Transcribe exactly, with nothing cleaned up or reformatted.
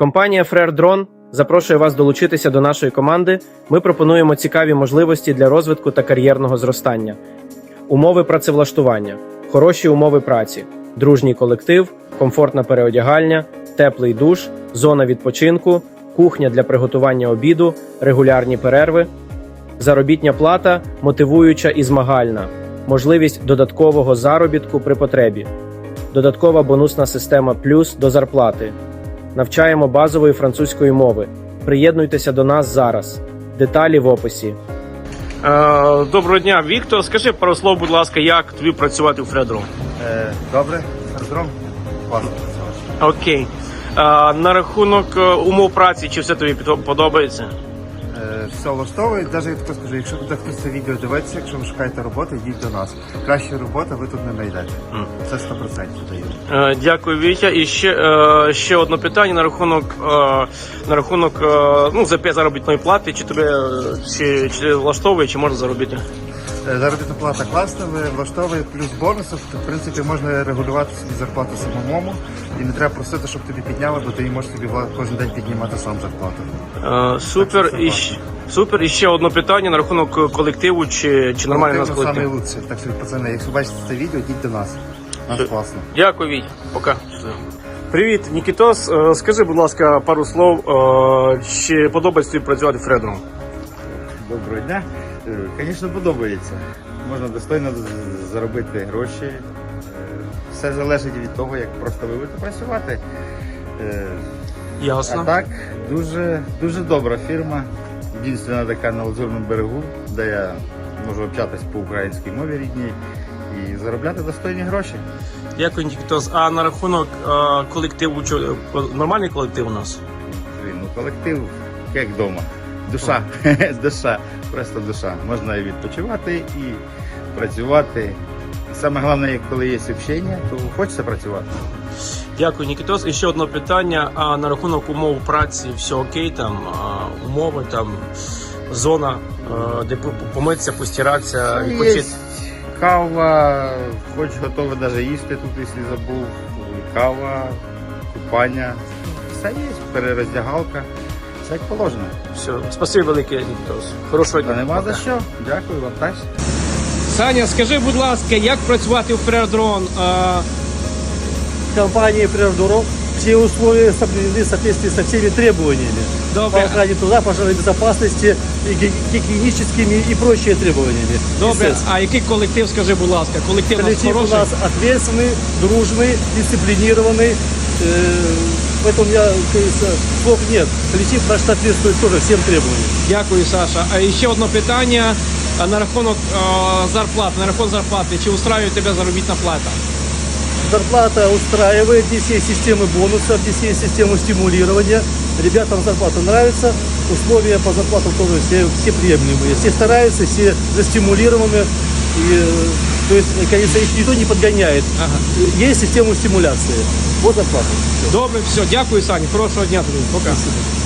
Компанія FrereDrone запрошує вас долучитися до нашої команди. Ми пропонуємо цікаві можливості для розвитку та кар'єрного зростання. Умови працевлаштування, хороші умови праці, дружній колектив, комфортна переодягальня, теплий душ, зона відпочинку, кухня для приготування обіду, регулярні перерви, заробітня плата мотивуюча і змагальна, можливість додаткового заробітку при потребі, додаткова бонусна система плюс до зарплати. Навчаємо базової французької мови. Приєднуйтеся до нас зараз. Деталі в описі. Доброго дня, Віктор. Скажи пару слов, будь ласка, як тобі працювати у FrereDrone? Е, добре, FrereDrone класно працювати. Окей. А, на рахунок умов праці, чи все тобі подобається? Е, все влаштовує, навіть я тако скажу, якщо буде хтось це відео дивитися, якщо ви шукаєте роботу, йдіть до нас. Кращої роботи ви тут не знайдете. Mm. Це сто відсотків даю. Е, дякую, Вітя. І ще, е, ще одне питання на рахунок, е, на рахунок е, ну, за п'ять заробітної плати. Чи тебе чи, чи влаштовує, чи можна заробити? Заробітна плата класна, влаштовує плюс бонусів. В принципі, можна регулювати собі зарплату самому і не треба просити, щоб тобі підняли, бо ти можеш собі кожен день піднімати сам зарплату. Е, супер. Так, і, супер. І ще одне питання на рахунок колективу, чи, чи нормальний у нас колектив? Колектив найкращий. Так що, пацани, якщо бачите це відео, йдіть до нас. Нас класно. Дякую, Віть. Пока. Привіт, Нікітос. Скажи, будь ласка, пару слов. Чи подобається тобі працювати в FrereDrone? Доброго дня. Звісно, подобається. Можна достойно заробити гроші. Все залежить від того, як просто ви будете працювати. Ясно. А так, дуже, дуже добра фірма. Єдина така на Лазурному берегу, де я можу общатися по українській мові рідній і заробляти достойні гроші. Дякую, Нікітос. А на рахунок а, колективу, чи, нормальний колектив у нас? Ну, колектив як вдома. Душа, душа, просто душа. Можна і відпочивати, і працювати. І саме головне, коли є общення, то хочеться працювати. Дякую, Нікітос. І ще одне питання. А на рахунок умов праці все окей, там а, умови, там зона, а, де помитися, постиратися, відпочити? Кава, хоч готове навіть їсти тут, якщо забув. Кава, купання. Все є, перероздягалка. Все як положено. Все, спасибі велике, Нікітос. Хорошого дня. Та нема за що. Дякую вам теж. Саня, скажи, будь ласка, як працювати у FrereDrone? Компании FrereDrone все условия соблюдены в соответствии со всеми требованиями. Добре. По охране труда, пожарной безопасности, гигиеническими и прочими требованиями. Добре, а який колектив, скажи, будь ласка? Колектив, Коллектив у у нас нас ответственный, дружный, дисциплинированный. Поэтому я, кажется, слов нет. Коллектив наш соответствует тоже всем требованиям. Дякую, Саша. А ще одне питання на рахунок е, зарплати. На рахунок зарплати. Чи устраює тебе заробітна плата? Зарплата устраивает, здесь есть системы бонусов, здесь есть система стимулирования. Ребятам зарплата нравится, условия по зарплатам тоже все, все приемлемые. Все стараются, все застимулированы. И, то есть, конечно, их никто не подгоняет. Ага. Есть система стимуляции. Вот зарплата. Добре, все. Дякую, Саня. Хорошого дня тобі. Пока. Спасибо.